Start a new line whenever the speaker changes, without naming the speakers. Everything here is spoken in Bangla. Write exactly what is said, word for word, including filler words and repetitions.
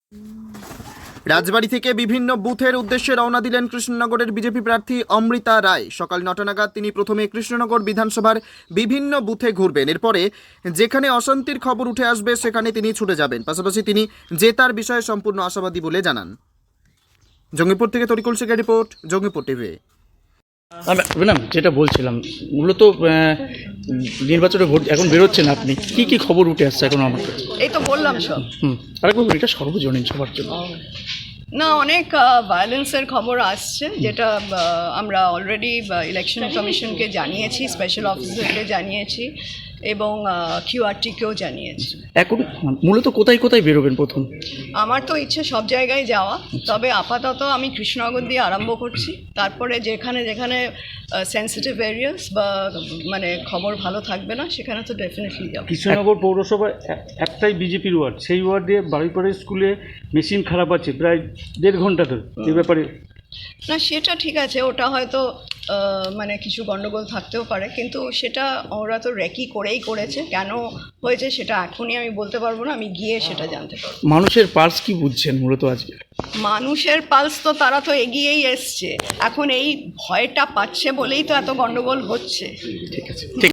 রাজবাড়ী থেকে বিভিন্ন বুথের উদ্দেশ্যে রওনা দিলেন কৃষ্ণনগরের বিজেপি প্রার্থী অমৃতা রায়। সকাল নটা নাগাদ তিনি প্রথমে কৃষ্ণনগর বিধানসভার বিভিন্ন বুথে ঘুরবেন। এরপরে যেখানে অশান্তির খবর উঠে আসবে সেখানে তিনি ছুটে যাবেন। পাশাপাশি তিনি জেতার বিষয়ে সম্পূর্ণ আশাবাদী বলে জানান। জঙ্গিপুর থেকে তরিকুল শেখের রিপোর্ট, জঙ্গিপুর টিভি।
ম্যাডাম, যেটা বলছিলাম মূলত নির্বাচনে ভোট এখন বেরোচ্ছেন, আপনি কি কি খবর উঠে আসছে এখন আমার কাছে?
এই তো বললাম সব।
হুম আরেকবার বলি, এটা সর্বজনীন সবার জন্য।
না, অনেক ভায়োলেন্সের খবর আসছে, যেটা আহ, আমরা অলরেডি ইলেকশন কমিশনকে জানিয়েছি, স্পেশাল অফিসারকে জানিয়েছি এবং কিউআরটিকেও জানিয়েছি।
এখন মূলত কোথায় কোথায় বেরোবেন প্রথম?
আমার তো ইচ্ছে সব জায়গায় যাওয়া, তবে আপাতত আমি কৃষ্ণনগর দিয়ে আরম্ভ করছি, তারপরে যেখানে যেখানে সেন্সিটিভ এরিয়াস বা মানে খবর ভালো থাকবে না সেখানে তো ডেফিনেটলি যাবো।
কৃষ্ণনগর পৌরসভার একটাই বিজেপির ওয়ার্ড, সেই ওয়ার্ডে বাড়িপাড়া স্কুলে মেশিন খারাপ আছে প্রায় দেড় ঘন্টা ধরে। এই ব্যাপারে
না, সেটা ঠিক আছে, ওটা হয়তো মানে কিছু গন্ডগোল থাকতেও পারে, কিন্তু সেটা ওরা তো রেকি করেই করেছে। কেন হয়েছে সেটা এখনই আমি বলতে পারবো না, আমি গিয়ে সেটা জানতে পারবো।
মানুষের পালস কি বুঝছেন মূলত আজকে?
মানুষের পালস তো তারা তো এগিয়েই এসছে, এখন এই ভয়টা পাচ্ছে বলেই তো এত গন্ডগোল হচ্ছে।
ঠিক আছে।